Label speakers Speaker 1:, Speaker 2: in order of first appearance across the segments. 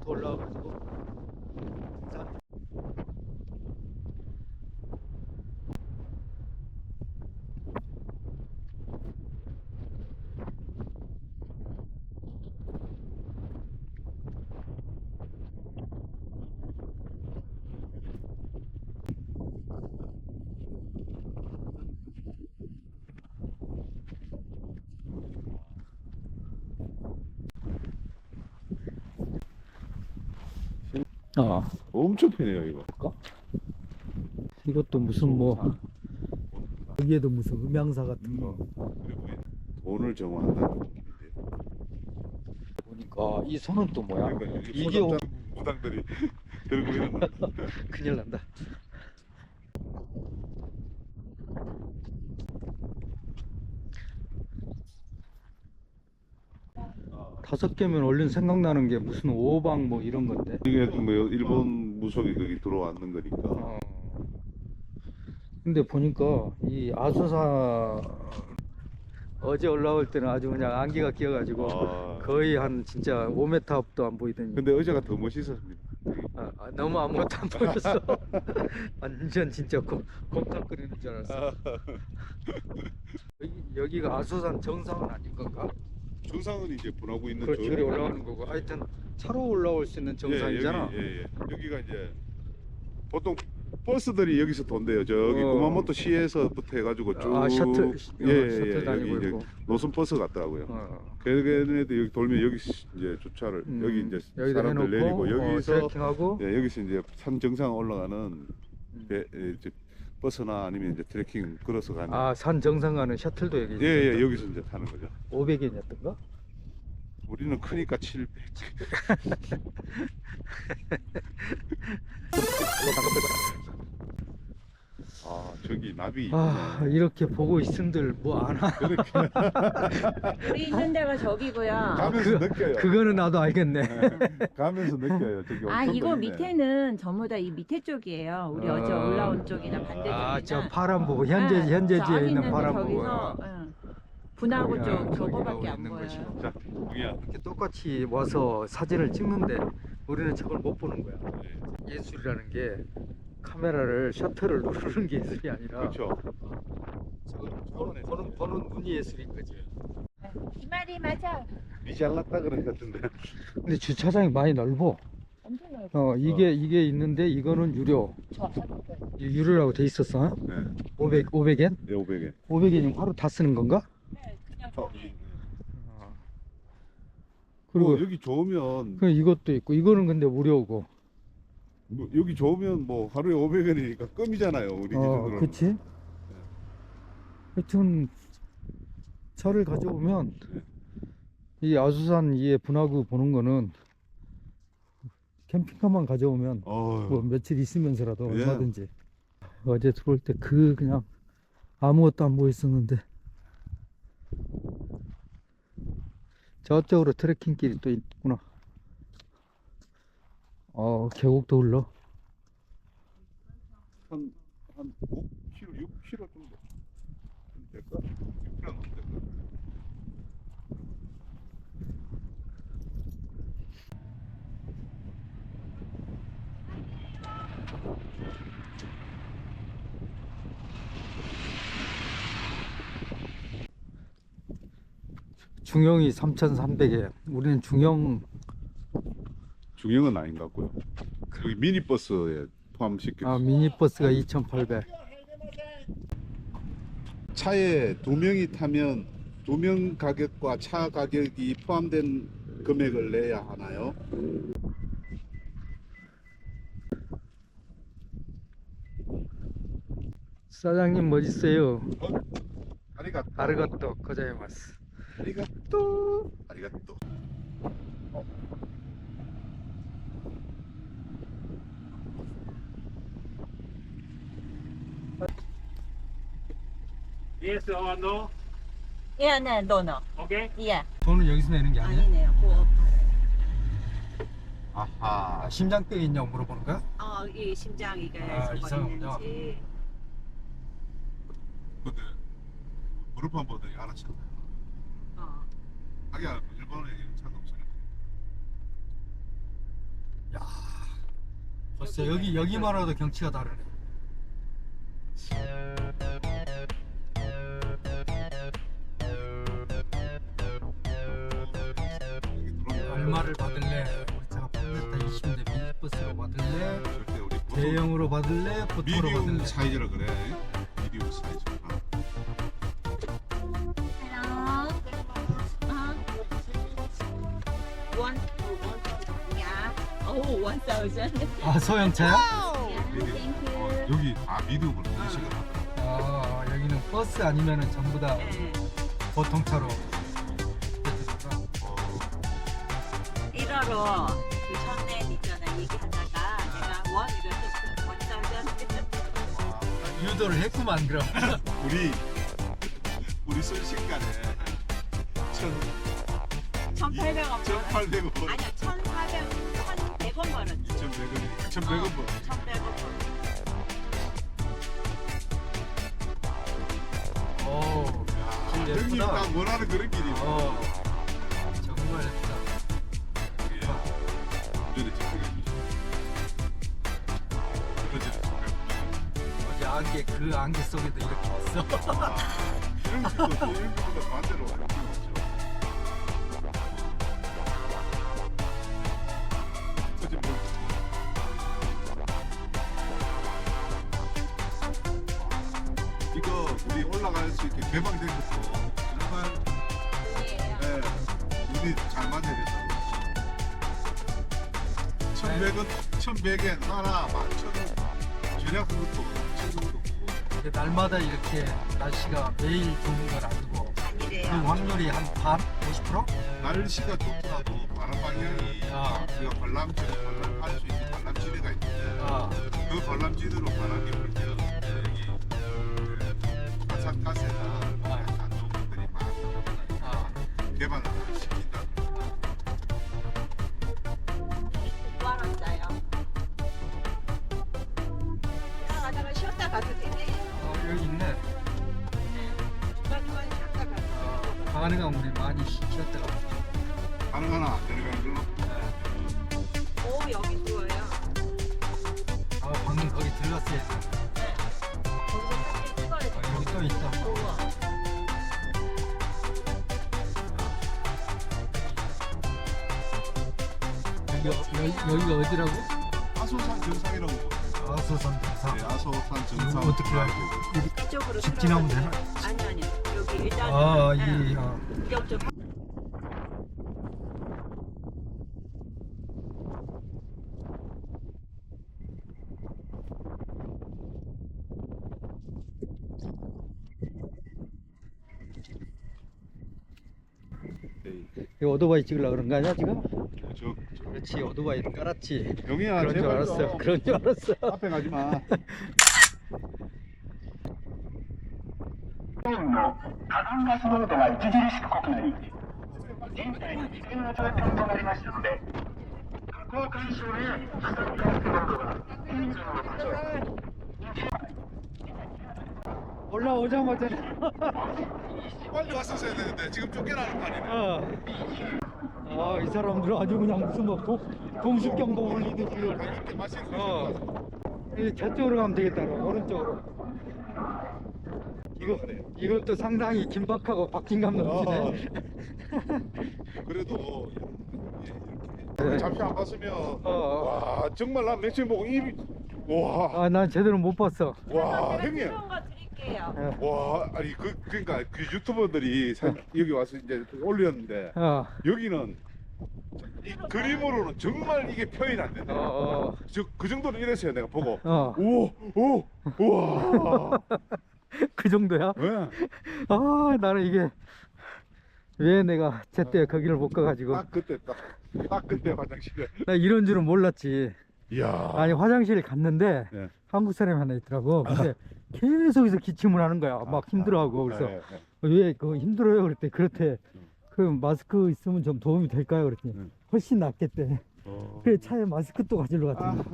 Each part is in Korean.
Speaker 1: 산부터 올라와가지고 산. 아,
Speaker 2: 엄청 편해요 이거.
Speaker 1: 이것도 무슨 뭐 여기에도 무슨 음향사 같은 거
Speaker 2: 그리고 돈을 정화한다는 느낌인데.
Speaker 1: 보니까 이 손은 또 뭐야?
Speaker 2: 그러니까 여기
Speaker 1: 이게
Speaker 2: 무당들이 들고 있는 거.
Speaker 1: 큰일 난다. 다섯 개면 얼른 생각나는 게 무슨 오방 뭐 이런 건데.
Speaker 2: 이게 뭐 일본 무속이 거기 들어왔는 거니까.
Speaker 1: 근데 보니까 이 아수사 어제 올라올 때는 아주 그냥 안개가 끼어가지고 거의 한 진짜 5m 앞도 안 보이더니.
Speaker 2: 근데 어제가 더 멋있었습니다.
Speaker 1: 너무 아무것도 안 보였어. 완전 진짜 곰탕거리는 줄 알았어. 여기가 아수산 정상은 아닌 건가?
Speaker 2: 정상은 이제 분하고 있는
Speaker 1: 그 저리 올라가는 거고, 하여튼 차로 올라올 수 있는 정상이잖아.
Speaker 2: 여기가 이제 보통 버스들이 여기서 돈대요. 저기 구마모토 시에서부터 해가지고 쭉
Speaker 1: 셔틀 다니고
Speaker 2: 여기
Speaker 1: 있고.
Speaker 2: 이제 노선 버스 같더라고요. 걔네들 여기 돌면 여기 이제 주차를 여기 이제 사람들 내리고 여기서
Speaker 1: 트레킹하고
Speaker 2: 여기서 이제 산 정상 올라가는 이제 버스나 아니면 이제 트레킹 걸어서 가는.
Speaker 1: 산 정상 가는 셔틀도 여기.
Speaker 2: 여기서 이제 타는 거죠.
Speaker 1: 500엔이었던가?
Speaker 2: 우리는 크니까 700. 저기 나비.
Speaker 1: 이렇게 보고 있음들 뭐 안 하.
Speaker 3: 우리 있는 데가 저기고요.
Speaker 2: 가면서 느껴요.
Speaker 1: 그거는 나도 알겠네.
Speaker 2: 가면서 느껴요. 저기 엄청
Speaker 3: 이거
Speaker 2: 보이네.
Speaker 3: 밑에는 전부 다 이 밑에 쪽이에요. 우리 어제 올라온 쪽이나 반대쪽이나.
Speaker 1: 저 파란 부분 현재지에 있는 파란 부분.
Speaker 3: 저기서 분화구 쪽
Speaker 1: 거기가
Speaker 3: 저거밖에 안
Speaker 1: 있는
Speaker 3: 보여요.
Speaker 1: 것이고.
Speaker 2: 자, 우리야.
Speaker 1: 이렇게 똑같이 와서 사진을 찍는데 우리는 저걸 못 보는 거야.
Speaker 2: 네.
Speaker 1: 예술이라는 게 카메라를 셔터를 누르는 게 예술이 아니라
Speaker 2: 그렇죠.
Speaker 1: 보는 눈이 예술인 거지.
Speaker 3: 이 말이 맞아.
Speaker 2: 니 잘났다 그런 것 같은데.
Speaker 1: 근데 주차장이 많이 넓어.
Speaker 3: 엄청 넓어.
Speaker 1: 이게 있는데 이거는 유료. 유료라고 돼 있었어.
Speaker 2: 네.
Speaker 1: 500엔?
Speaker 2: 네, 500엔.
Speaker 1: 500엔이면 하루 다 쓰는 건가?
Speaker 3: 네, 그냥
Speaker 1: 그리고
Speaker 2: 여기 좋으면
Speaker 1: 이것도 있고 이거는 근데 무료고.
Speaker 2: 여기 좋으면 뭐 하루에 500원이니까 껌이잖아요. 우리 기준으로는.
Speaker 1: 그치? 하여튼 차를 가져오면 이 아수산 이에 분화구 보는 거는 캠핑카만 가져오면 뭐 며칠 있으면서라도
Speaker 2: 예.
Speaker 1: 얼마든지. 어제 들어올 때 그냥 아무것도 안 보였었는데 저쪽으로 트레킹길이 또 있구나. 계곡도 흘러.
Speaker 2: 한 5km, 6km 정도 될까? 6km 넘게 될까?
Speaker 1: 중형이 3,300엔. 우리는 중형은
Speaker 2: 중형은 아닌 것 같고요. 여기 미니버스에 포함시켜.
Speaker 1: 미니버스가 2,800.
Speaker 2: 차에 두 명이 타면 두 명 가격과 차 가격이 포함된 금액을 내야 하나요?
Speaker 1: 사장님 멋있어요.
Speaker 2: 아리가또.
Speaker 1: 아르가또 고자이마스.
Speaker 2: 아리가또. 아리가또.
Speaker 4: Yes or no?
Speaker 3: 예, 네, 너너.
Speaker 4: Okay.
Speaker 3: 예.
Speaker 1: 돈은 여기서 내는 게 아니야?
Speaker 3: 아니네요. 그거
Speaker 2: 아하.
Speaker 1: 심장병 있냐고 물어보는 거야?
Speaker 3: 이 심장 이게
Speaker 1: 이상하군요.
Speaker 3: 있는지.
Speaker 2: 근데 무릎 한 번도 알아챘네. 하긴 일본에 이런 차가 없으니까.
Speaker 1: 벌써 여기만 와도 경치가 다르네. 얼마를 받을래? 우리 차가 8m 20인데 미니버스로 받을래?
Speaker 2: 절대 우리
Speaker 1: 대형으로 받을래? 보통으로
Speaker 2: 미디움
Speaker 1: 받을래?
Speaker 2: 사이즈라 그래. 미디움 사이즈.
Speaker 3: Hello. One. Yeah. Oh, 1,000.
Speaker 1: 아 소형차야?
Speaker 3: Yeah,
Speaker 2: 미디움.
Speaker 3: thank you.
Speaker 2: 여기 미디움을 인식을 하더라.
Speaker 1: 아 여기는 버스 아니면은 전부 다
Speaker 3: 네.
Speaker 1: 보통 차로.
Speaker 3: 1호로 그 전에 있잖아 얘기하다가 내가 원이를 1,000.
Speaker 1: 유도를 했구만 그럼.
Speaker 2: 우리 순식간에
Speaker 3: 1,800원.
Speaker 2: 1,800원.
Speaker 3: 아니야 1,100원 벌었지.
Speaker 2: 2,100원. 1,100원 벌.
Speaker 3: 1,100원.
Speaker 1: 오, 길
Speaker 2: 형님
Speaker 1: 예쁘다.
Speaker 2: 딱 원하는 그런 길이.
Speaker 1: 정말 예쁘다.
Speaker 2: 운전을 직접 해주시죠.
Speaker 1: 어제 안개 그 안개 속에도 이렇게 왔어.
Speaker 2: 이런 식보다 반대로 이렇게 왔죠. 사진 뭐 이거 우리 올라갈 수 있게 개방된 것도 정말 네, 눈이 잘 맞아야 된다. 1,100엔 하나 11,000원 절약한 것도 1,000원도
Speaker 1: 근데 날마다 이렇게 날씨가 매일 좋은 건 아니고 그
Speaker 3: 아니래요.
Speaker 1: 확률이 한 반? 50%?
Speaker 2: 날씨가 좋더라도 바람 방향이 우리가 관람지를 관람할 수 있는 관람지대가 있는데
Speaker 1: 아,
Speaker 2: 그 관람지대로 바람이 불 때는 여기 화산가스나 안 좋은 것들이
Speaker 1: 아.
Speaker 2: 개발을 시킨다.
Speaker 3: 알았어요. 가다가 쉬었다 가도 되네.
Speaker 1: 여기 있네.
Speaker 3: 중간중간 쉬었다 가도 돼.
Speaker 1: 가능한 우리 많이 쉬었다가.
Speaker 2: 가능하나 안 내려가는 걸로.
Speaker 3: 오 여기 좋아요.
Speaker 1: 아 방금 거기 들렀어요.
Speaker 3: 거기서 사진 찍어야 돼.
Speaker 1: 여기 또 있다.
Speaker 3: 좋아.
Speaker 1: 여기가 어디라고?
Speaker 2: 아소산 정상이라고.
Speaker 1: 아소산 정상.
Speaker 2: 네, 아소산 정상.
Speaker 1: 이거 어떻게 가야
Speaker 3: 이쪽으로
Speaker 1: 직진하면
Speaker 3: 들어가면
Speaker 1: 되나?
Speaker 3: 아니 여기 일단
Speaker 1: 이
Speaker 3: 이쪽
Speaker 1: 이 오토바이 찍으려고 그런 거 아니야 지금?
Speaker 2: 저
Speaker 1: 그렇지 오토바이를 깔았지.
Speaker 2: 영희야
Speaker 1: 그런 줄
Speaker 2: 제발
Speaker 1: 알았어.
Speaker 2: 좀
Speaker 1: 그런 줄 알았어.
Speaker 2: 앞에 가지 마.
Speaker 4: 日本の火山ガス濃度が著しく濃くなり、人体に危険な状態となりましたので、火口干渉で火山ガス濃度が顕著なことを
Speaker 1: 올라오자마자
Speaker 2: 빨리 왔었어야 되는데 지금 쫓겨나는 판이네.
Speaker 1: 이 사람들은 아주 그냥 무슨 뭐 동습경보 올리듯이
Speaker 2: 이렇게 마실 수 있어.
Speaker 1: 저쪽으로 가면 되겠다. 오른쪽으로. 이것도 상당히 긴박하고 박진감 넘치네.
Speaker 2: 그래도 이렇게 잠시 안 봤으면 와 정말 난 맥심 보고 입이 와.
Speaker 1: 난 제대로 못 봤어.
Speaker 2: 와
Speaker 3: 제가
Speaker 2: 형님.
Speaker 3: 필요한 거 드릴게요.
Speaker 2: 와 아니 그러니까 그 유튜버들이 여기 와서 이제 올렸는데 여기는 이 그림으로는 정말 이게 표현이 안 된다. 그 정도는 이랬어요 내가 보고. 오 우와.
Speaker 1: 그 정도야?
Speaker 2: 왜?
Speaker 1: 나는 이게 왜 내가 제때 거기를 못 가가지고
Speaker 2: 딱 그때 화장실에.
Speaker 1: 나 이런 줄은 몰랐지.
Speaker 2: 이야.
Speaker 1: 아니 화장실에 갔는데
Speaker 2: 네.
Speaker 1: 한국 사람이 하나 있더라고. 근데 계속해서 기침을 하는 거야. 막 힘들어하고. 그래서 왜 그거 힘들어요? 그랬더니 그렇대. 그럼 마스크 있으면 좀 도움이 될까요? 그랬더니 훨씬 낫겠대. 그래 차에 마스크 또 가지러 갔더니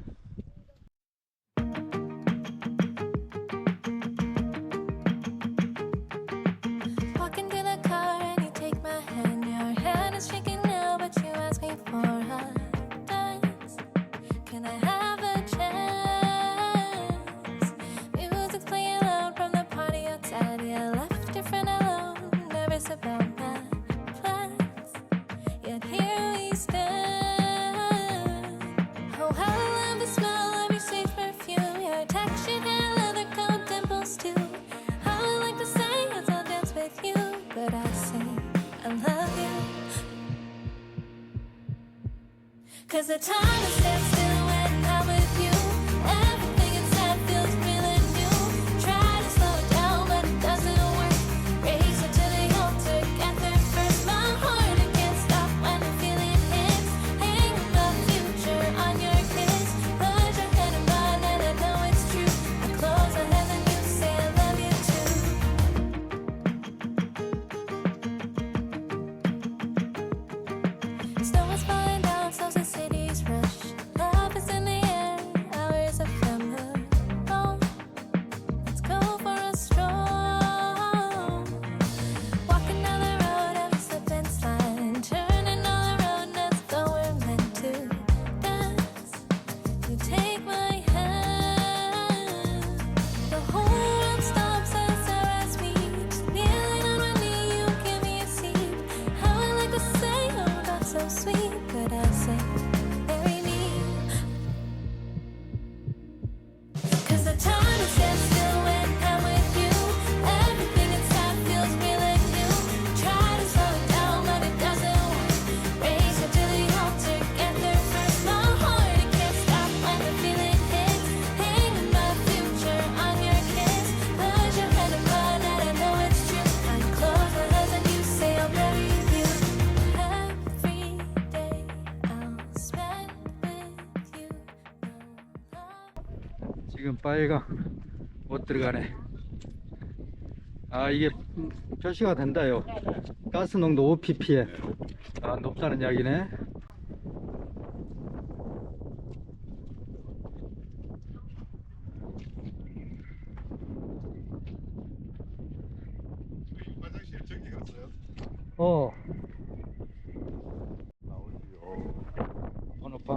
Speaker 5: Walk into the car and you take my hand. Your hand is shaking now, but you ask me for a dance. Can I have a here we stand. Oh, how I love the smell of your sage perfume, your texture and leather coat dimples too. How I like to say as I'll dance with you, but I say I love you. 'Cause the time is stands still when I'm with you. Everything inside feels really new. Try to slow it down, but it doesn't work. Race it to the altar, get there first. My heart, it can't stop when the feeling hits. Hang my future on your kiss. Put your head in mine and I know it's true. I close my eyes and you say I love you too. Snow is falling down, so the city's rush. Love is in the air, hours ephemeral. Let's go for a stroll. Walking down the road and we slip and slide. Turning on the road, let's go, we're meant to dance. You take my hand. The whole world stops as our eyes meet. Kneeling on my knee, you give me a seat. How I like to say, oh, that's so sweet, but I say, marry me. 'Cause the time is stands still when I'm with you. Everything inside feels really new. Try to slow it down, but it doesn't work. Race it to the altar, get there first. My heart, it can't stop when the feeling hits. Hanging my future on your kiss. Put your head in mine and I know it's true. I close my eyes and you say I'll marry you. Every day I'll spend with you.
Speaker 1: 지금 빨강 못 들어가네. 아, 이게 표시가 된다요. 가스 농도 5ppm. 아, 높다는 이야기네.
Speaker 2: 화장실 저기 갔어요?
Speaker 1: 어,
Speaker 2: 아, 어디요?
Speaker 1: 번호판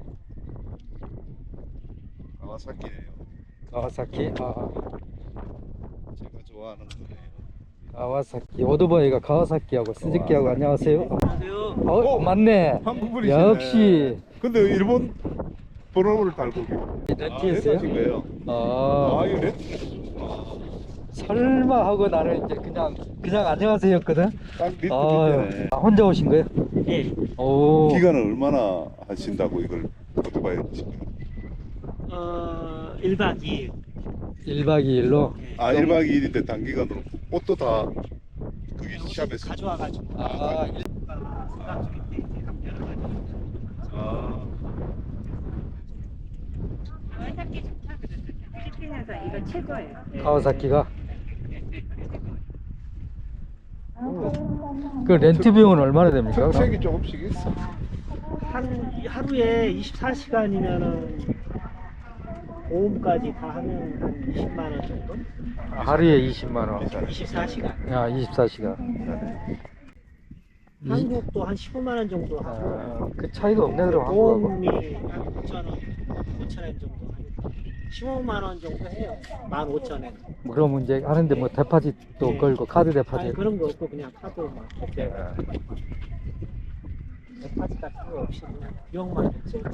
Speaker 2: 가와사키네요.
Speaker 1: 가와사키. 아,
Speaker 2: 제가 좋아하는 거예요.
Speaker 1: 가와사키. 오토바이가 가와사키하고 스즈키하고 안녕하세요.
Speaker 2: 어,
Speaker 1: 맞네.
Speaker 2: 한국 분이시네.
Speaker 1: 역시
Speaker 2: 근데 일본 번호를 달고
Speaker 1: 렌트했어요?
Speaker 2: 렌트하신 거예요?
Speaker 1: 아,
Speaker 2: 이거 렌트.
Speaker 1: 설마 하고 나는 이제 그냥 안녕하세요였거든.
Speaker 2: 딱 리트
Speaker 1: 아,
Speaker 2: 밑에네.
Speaker 1: 혼자 오신 거예요?
Speaker 6: 예.
Speaker 1: 오.
Speaker 2: 기간은 얼마나 하신다고 이걸 오토바이 하신 거예요?
Speaker 6: 1박 2일.
Speaker 1: 1박 2일로.
Speaker 2: 아, 1박 2일인데 단기간으로 옷도 다 거기 샵에서.
Speaker 6: 가져와가지고.
Speaker 1: 아,
Speaker 6: 생각 중인데 이제 한번 열어가지고.
Speaker 2: 아,
Speaker 3: 가와사키 좋다 그랬어요. 필리핀에서 이거 최고예요.
Speaker 1: 가와사키가. 그 렌트 비용은 얼마나 됩니까? 그럼?
Speaker 2: 특색이 조금씩 있어.
Speaker 6: 하루에 24시간이면은 보험까지 다 하면 한 20만 원 정도?
Speaker 1: 하루에 20만 원.
Speaker 6: 24시간.
Speaker 1: 야, 24시간.
Speaker 6: 한국도 한 15만 원 정도 하고.
Speaker 1: 아, 그 차이가 없네 그럼 한국하고.
Speaker 6: 보험이 한 5천 원, 5천 원 정도 하니까 15만 원 정도 해요. 15,000원.
Speaker 1: 그럼 이제 하는데 뭐 데파짓도
Speaker 6: 네.
Speaker 1: 걸고 카드
Speaker 6: 아니
Speaker 1: 데파짓.
Speaker 6: 그런 거 없고 그냥 카드 막 이렇게 데파짓 같은 거 없이 그냥 비용만 냈죠.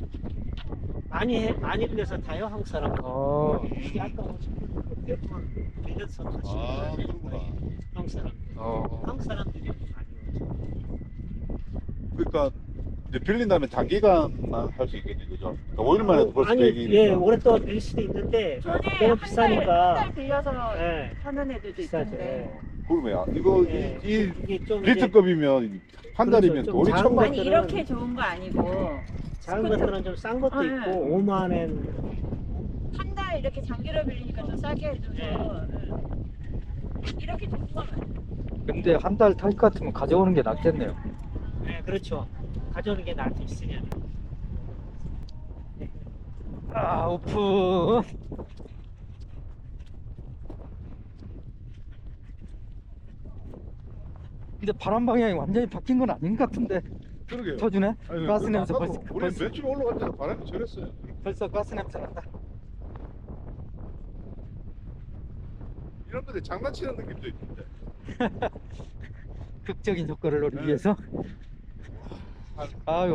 Speaker 6: 많이 빌려서 타요 한국 사람. 이게 아까 대부분 빌려서 타시는
Speaker 2: 아,
Speaker 6: 거예요.
Speaker 2: 그렇구나.
Speaker 6: 한국 사람. 한국 사람들이 많이 오죠.
Speaker 2: 그러니까 이제 빌린다면 단기간만 할 수 있겠네, 그죠? 그러니까 5일 만에 벌써
Speaker 6: 아니
Speaker 2: 계획이니까.
Speaker 6: 예 오랫동안 빌릴 수도 있는데 너무 비싸니까.
Speaker 3: 한달 빌려서
Speaker 6: 예.
Speaker 3: 하는 애들도
Speaker 6: 비싸죠.
Speaker 3: 있던데.
Speaker 2: 그러면 이거
Speaker 6: 예.
Speaker 2: 이
Speaker 6: 이게 좀 이제
Speaker 2: 리트급이면 한
Speaker 6: 그렇죠.
Speaker 2: 달이면
Speaker 6: 좀
Speaker 2: 돈이
Speaker 6: 작은
Speaker 2: 천만.
Speaker 3: 아니 이렇게 좋은 거 아니고
Speaker 6: 작은 것들은 좀 싼 것도
Speaker 3: 아,
Speaker 6: 있고
Speaker 3: 예.
Speaker 6: 5만 원.
Speaker 3: 한 달 이렇게 장기로 빌리니까 좀 싸게 해줘서 이렇게 좋은 건 아니에요.
Speaker 1: 근데 한 달 탈 것 같으면 가져오는 게 낫겠네요.
Speaker 6: 네, 그렇죠. 가져오는 게 나을 수 있으면.
Speaker 1: 아, 오픈. 근데 바람 방향이 완전히 바뀐 건 아닌 것 같은데.
Speaker 2: 그러게요.
Speaker 1: 터주네.
Speaker 2: 아니,
Speaker 1: 가스
Speaker 2: 그
Speaker 1: 냄새
Speaker 2: 아까도
Speaker 1: 벌써
Speaker 2: 우리 맨 처음에 올라갈 때는 바람이 저랬어요.
Speaker 1: 벌써 가스 냄새 난다.
Speaker 2: 이런 데들 장난치는 느낌도 있는데.
Speaker 1: 극적인 효과를 노리기 위해서. 아유.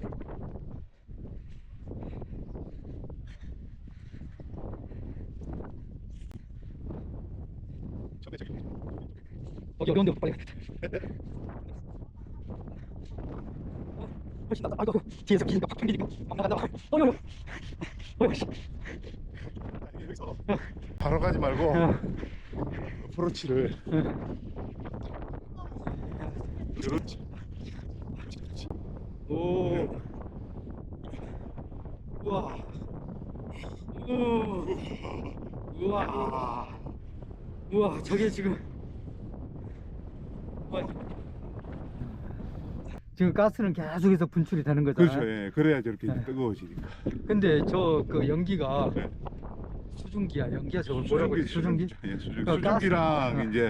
Speaker 1: 어려운데 빨리. 훨씬 낫다. 아이고 뒤에서 기니까 팍 튕기니까 막 나간다. 어여. 어여.
Speaker 2: 바로 가지 말고 어프로치를 그렇지.
Speaker 1: 오. 우와. 우와. 우와, 저게 지금. 우와. 지금 가스는 계속해서 분출이 되는 거잖아요.
Speaker 2: 그렇죠. 예. 그래야 저렇게
Speaker 1: 네.
Speaker 2: 뜨거워지니까.
Speaker 1: 근데 저 그 연기가
Speaker 2: 네.
Speaker 1: 수증기야. 연기야 저걸 뭐라고 그래? 수증기?
Speaker 2: 예,
Speaker 1: 그러니까
Speaker 2: 수증기랑
Speaker 1: 가스.
Speaker 2: 이제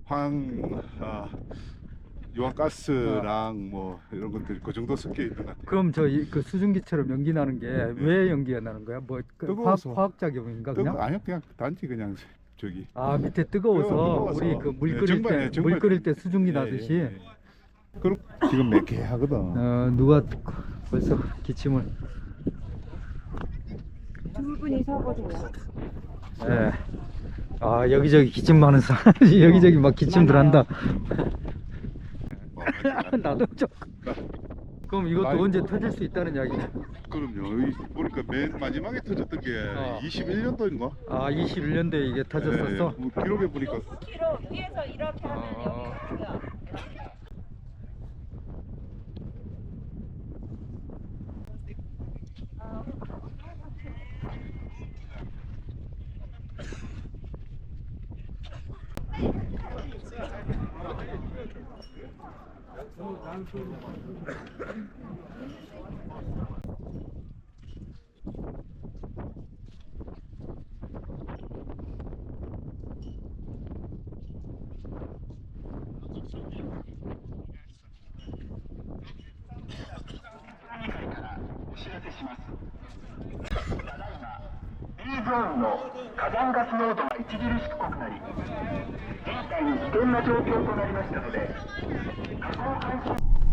Speaker 2: 유황가스랑 뭐 이런 것들 그 정도 섞여 있는 것 같아요.
Speaker 1: 그럼 저 그 수증기처럼 연기 나는 게 왜 연기가 나는 거야? 뭐 그
Speaker 2: 뜨거워서.
Speaker 1: 화학 작용인가 그냥?
Speaker 2: 아니요, 그냥 단지 그냥 저기.
Speaker 1: 아 밑에 뜨거워서
Speaker 2: 뜨거워서.
Speaker 1: 우리 그 물
Speaker 2: 예,
Speaker 1: 끓일
Speaker 2: 정말,
Speaker 1: 때
Speaker 2: 예, 정말
Speaker 1: 물 끓일 때 수증기
Speaker 2: 예,
Speaker 1: 나듯이
Speaker 2: 예, 예. 그럼 지금 매캐하거든.
Speaker 1: 누가 벌써 기침을.
Speaker 3: 두 분이 서거든요.
Speaker 1: 예. 아 여기저기 기침 많은 사람 여기저기 막 기침들 한다. 나도 좀. 그럼 이것도
Speaker 2: 아이고.
Speaker 1: 언제 터질 수 있다는 이야기네.
Speaker 2: 그럼요. 보니까 맨 마지막에 터졌던 게 21년도인가?
Speaker 1: 아 21년도에 이게 터졌었어?
Speaker 2: 뭐 기록에 보니까
Speaker 3: 9km 위에서 이렇게 하면 여기 가고요.
Speaker 4: B ゾーンの火山ガス濃度が著しく濃くなり、現在危険な状況となりましたので、火口監視